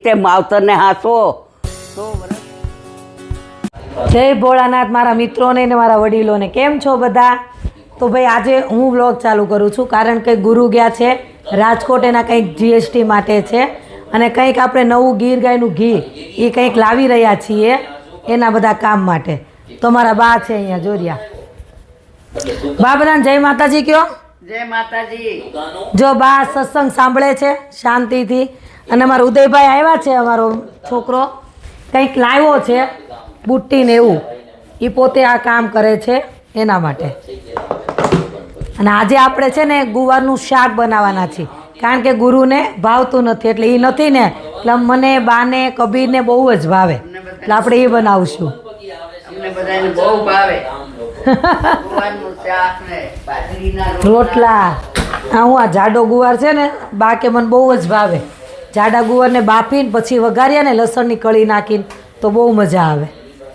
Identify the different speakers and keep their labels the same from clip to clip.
Speaker 1: રીતે માવતરને હાંસવો તો
Speaker 2: જય ભોળાનાથ મારા મિત્રોને ને મારા વડીલોને. કેમ છો બધા? તો ભાઈ આજે હું વ્લોગ ચાલુ કરું છું કારણ કે ગુરુ ગયા છે રાજકોટ, એના કંઈક જીએસટી માટે છે અને કંઈક આપણે નવું ગીર ગાયનું ઘી એ કંઈક લાવી રહ્યા છીએ એના બધા કામ માટે. તો મારા બા છે અહીંયા જોરિયા. બા બધાને જય માતાજી કયો.
Speaker 1: જય માતાજી.
Speaker 2: જો બા સત્સંગ સાંભળે છે શાંતિથી અને અમારા ઉદયભાઈ આવ્યા છે, અમારો છોકરો કંઈક લાવ્યો છે બુટ્ટી ને એવું, એ પોતે આ કામ કરે છે એના માટે. અને આજે આપણે છે ને ગુવારનું શાક બનાવવાના છીએ કારણ કે ગુરુને ભાવતું નથી એટલે એ નથી ને, એટલે મને બાને કબીરને બહુ જ ભાવે એટલે આપણે એ બનાવશું.
Speaker 1: અમને બધાને બહુ ભાવે ગુવારનું શાક ને બાજરીના
Speaker 2: રોટલા. હા, હું આ જાડો ગુવાર છે ને બા કે મને બહુ જ ભાવે. જાડા ગુવારને બાફીને પછી વઘાર્યા ને લસણની કળી નાખીને તો બહુ મજા આવે.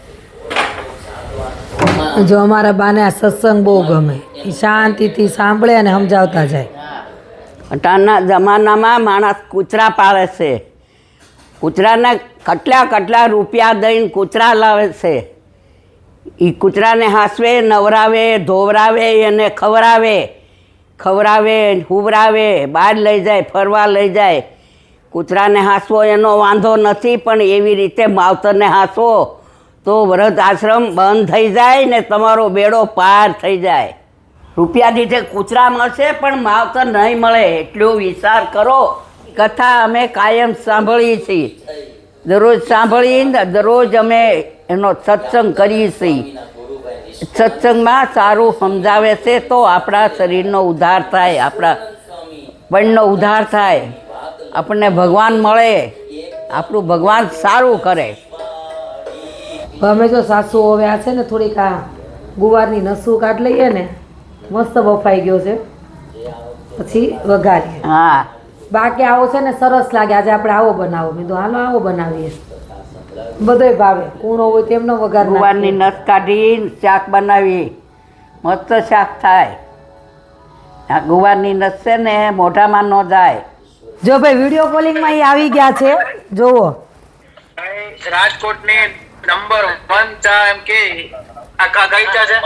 Speaker 2: જો અમારા બાને આ સત્સંગ બહુ ગમે, એ શાંતિથી સાંભળે અને સમજાવતા જાય.
Speaker 1: અટાણના જમાનામાં માણસ કૂતરા પાળે છે, કૂતરાને કેટલા રૂપિયા દઈને કૂતરા લાવે છે. એ કૂતરાને હાંસવે, નવરાવે, ધોવરાવે અને ખવરાવે હુવરાવે, બહાર લઈ જાય, ફરવા લઈ જાય. કૂતરાને હાંસવો એનો વાંધો નથી, પણ એવી રીતે માવતરને હાંસવો તો વ્રત આશ્રમ બંધ થઈ જાય ને તમારો બેડો પાર થઈ જાય. રૂપિયા દીઠે કૂતરા મળશે પણ માવતર નહીં મળે એટલો વિચાર કરો. કથા અમે કાયમ સાંભળીએ છીએ, દરરોજ સાંભળીને દરરોજ અમે એનો સત્સંગ કરીએ છીએ. સત્સંગમાં સારું સમજાવે છે તો આપણા શરીરનો ઉદ્ધાર થાય, આપણા પણનો ઉદ્ધાર થાય, આપણને ભગવાન મળે, આપણું ભગવાન સારું કરે.
Speaker 2: અમે જો સાસુ હવે આ છે ને થોડીક આ ગુવારની નસું કાઢ લઈએ ને, મસ્ત બફાઈ ગયો છે, પછી વઘારીએ.
Speaker 1: હા,
Speaker 2: બાકી આવો છે ને સરસ લાગે, આજે આપણે આવો બનાવો. મેં તો હાલો આવો બનાવીએ, બધોય ભાવે. કૂણો હોય તેમનો વઘાર
Speaker 1: ગુવારની નસ કાઢી શાક બનાવી, મસ્ત શાક થાય. આ ગુવારની નસ છે ને મોઢામાં ન જાય.
Speaker 2: જો ભાઈ વિડીયો કોલિંગમાં એ આવી ગયા છે, જોવો.
Speaker 3: રાજકોટની નંબર 1 ચા એમ કે આ કઈ ચા છે?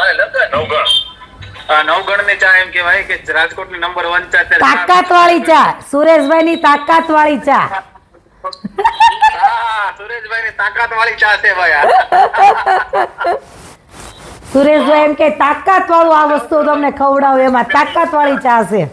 Speaker 3: નવગણ ની ચા એમ કહેવાય કે રાજકોટની નંબર 1 ચા છે.
Speaker 2: તાકાત વાળી ચા, સુરેશભાઈ ની તાકાત વાળી ચા.
Speaker 3: હા, સુરેશભાઈ ની તાકાત વાળી ચા છે ભાઈ.
Speaker 2: સુરેશભાઈ એમ કે તાકાત વાળું આ વસ્તુ તમને ખવડાવું, એમાં તાકાત વાળી ચા છે.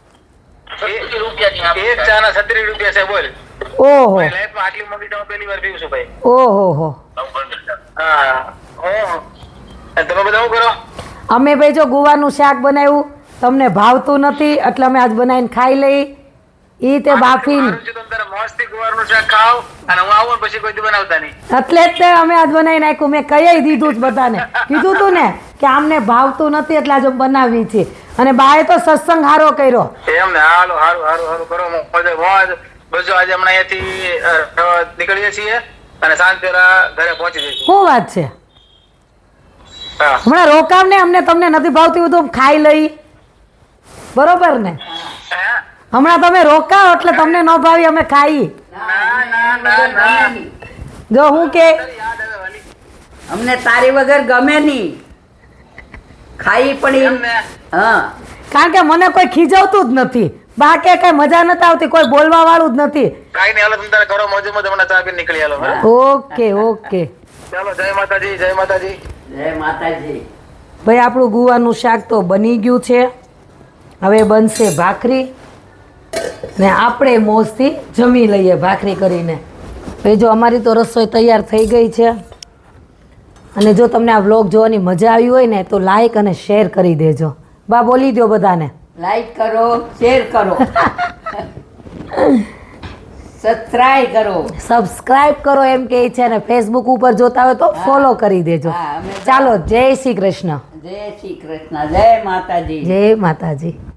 Speaker 3: એક ચા ના 36 રૂપિયા છે. બોલ.
Speaker 2: ઓહો,
Speaker 3: લાઈફમાં આટલી મોટી ચા પહેલી વાર પીવું છું ભાઈ.
Speaker 2: ઓહો હો.
Speaker 3: હા, તમે બધા શું કરો?
Speaker 2: અમે ભાઈ જો ગુવારનું શાક બનાવ્યું, તમને ભાવતું નથી એટલે અમે આજ બનાવીને ખાઈ લઈ. ઈ તે બાફીને
Speaker 3: મસ્તી ગુવારનું શાક ખાવ અને હું આવું પછી કોઈ દી બનાવતા નહીં.
Speaker 2: એટલે જ તે અમે આજ બનાવી નાખ્યું. મેં કહી દીધું જ બધાને, કીધું તું ને કે આમને ભાવતું નથી એટલે આજે બનાવી છે. અને બાએ તો સત્સંગ હારો કર્યો.
Speaker 3: એમ ને, હાલો હારું કરો. મોજ બસ. આજે હમણાં અહીંયાથી નીકળીએ છીએ અને સાંજ પેલા ઘરે પહોંચી જઈશું.
Speaker 2: શું વાત છે?
Speaker 3: હા,
Speaker 2: હમણાં રોકાવ ને, અમને તમને નથી ભાવતું બધું ખાઈ લઈ, બરોબર ને? હમણાં તમે રોકાવ એટલે તમને ન ભાવી અમે ખાઈ.
Speaker 3: ના.
Speaker 2: જો હું કે
Speaker 1: અમને તારી વગર ગમે નહીં, ખાઈ પણ
Speaker 3: એમ ને.
Speaker 1: હા,
Speaker 2: કારણ કે મને કોઈ ખીજવતું જ નથી, બાકી કઈ મજા નથી આવતી, કોઈ બોલવા વાળું જ નથી.
Speaker 3: કાઈ નહીં, હાલો તમે તારે કરો મોજે મોજ. હમણાં ચા પીને નીકળી હાલો. બરાબર?
Speaker 2: Okay okay.
Speaker 3: ચાલો, જય માતાજી. જય માતાજી.
Speaker 1: જય માતાજી.
Speaker 2: ભાઈ આપણું ગુવાનું શાક તો બની ગયું છે, હવે બનશે ભાખરી ને આપણે મોજથી જમી લઈએ ભાખરી કરીને. ભાઈ જો અમારી તો રસોઈ તૈયાર થઈ ગઈ છે. અને જો તમને આ વ્લોગ જોવાની મજા આવી હોય ને તો લાઈક અને શેર કરી દેજો. બા બોલી દો બધાને.
Speaker 1: લાઈક કરો, શેર કરો,
Speaker 2: સબસ્ક્રાઇબ કરો એમ કે છે. અને ફેસબુક ઉપર જોતા હોય તો ફોલો કરી દેજો. ચાલો, જય શ્રી કૃષ્ણ.
Speaker 1: જય શ્રી કૃષ્ણ. જય માતાજી.
Speaker 2: જય માતાજી.